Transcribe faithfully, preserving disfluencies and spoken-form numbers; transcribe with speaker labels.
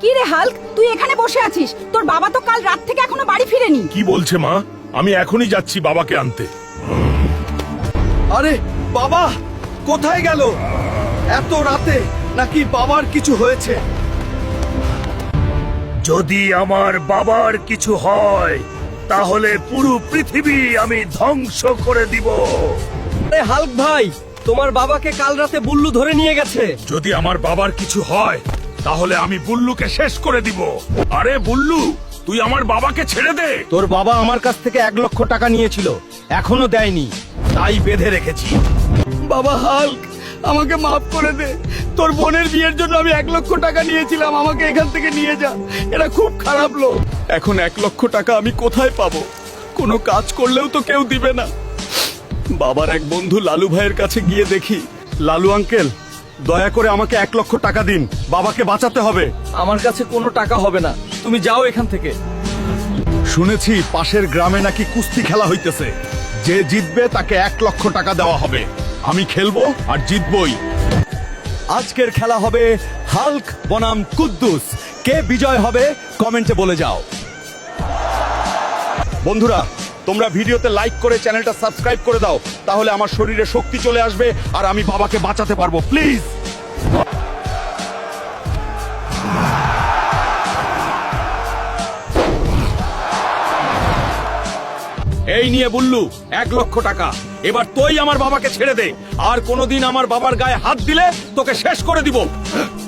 Speaker 1: কি রে হাল্ক, তুই এখানে বসে আছিস? তোর বাবা তো কাল রাত থেকে এখনো বাড়ি ফিরেনি।
Speaker 2: কি বলছে মা? আমি এখনই যাচ্ছি বাবাকে আনতে।
Speaker 3: আরে বাবা কোথায় গেল এত রাতে? নাকি বাবার কিছু হয়েছে?
Speaker 2: যদি আমার বাবার কিছু হয় তাহলে পুরো পৃথিবী আমি ধ্বংস করে দিব।
Speaker 3: আরে হাল্ক ভাই, তোমার বাবাকে কাল রাতে বুল্লু ধরে নিয়ে গেছে।
Speaker 2: যদি আমার বাবার কিছু হয় তাহলে আমি বুল্লুকে শেষ করে দিব। আরে বুল্লু, তুই আমার বাবাকে ছেড়ে দে।
Speaker 3: তোর বাবা আমার কাছ থেকে এক লক্ষ টাকা নিয়েছিল, এখনো দেয়নি, তাই বেঁধে রেখেছি। বাবা হাল্ক, আমাকে মাফ করে দে। তোর বোনের বিয়ের জন্য আমি এক লক্ষ টাকা নিয়েছিলাম, আমাকে এখান থেকে নিয়ে যা। এরা খুব খারাপ লোক। এখন এক লক্ষ টাকা আমি কোথায় পাবো? কোনো কাজ করলেও তো কেউ দিবে না। বাবার এক বন্ধু লালু ভাইয়ের কাছে গিয়ে দেখি। লালু আঙ্কেল, দয়া করে আমাকে এক লক্ষ টাকা দিন, বাবাকে বাঁচাতে হবে।
Speaker 4: আমার কাছে কোনো টাকা হবে না, তুমি যাও এখান থেকে।
Speaker 3: শুনেছি পাশের গ্রামে নাকি কুস্তি খেলা হইতেছে, যে জিতবে তাকে এক লক্ষ টাকা দেওয়া হবে। আমি খেলবো আর জিতবই। আজকের খেলা হবে হাল্ক বনাম কুদ্দুস। কে বিজয় হবে কমেন্টে বলে যাও। বন্ধুরা, তোমরা ভিডিওতে লাইক করে চ্যানেলটা সাবস্ক্রাইব করে দাও, তাহলে আমার শরীরে শক্তি চলে আসবে আর আমি বাবাকে বাঁচাতে পারবো। প্লিজ। এই নিয়ে বুল্লু এক লক্ষ টাকা। এবার তুই আমার বাবাকে ছেড়ে দে, আর কোনোদিন আমার বাবার গায়ে হাত দিলে তোকে শেষ করে দিব।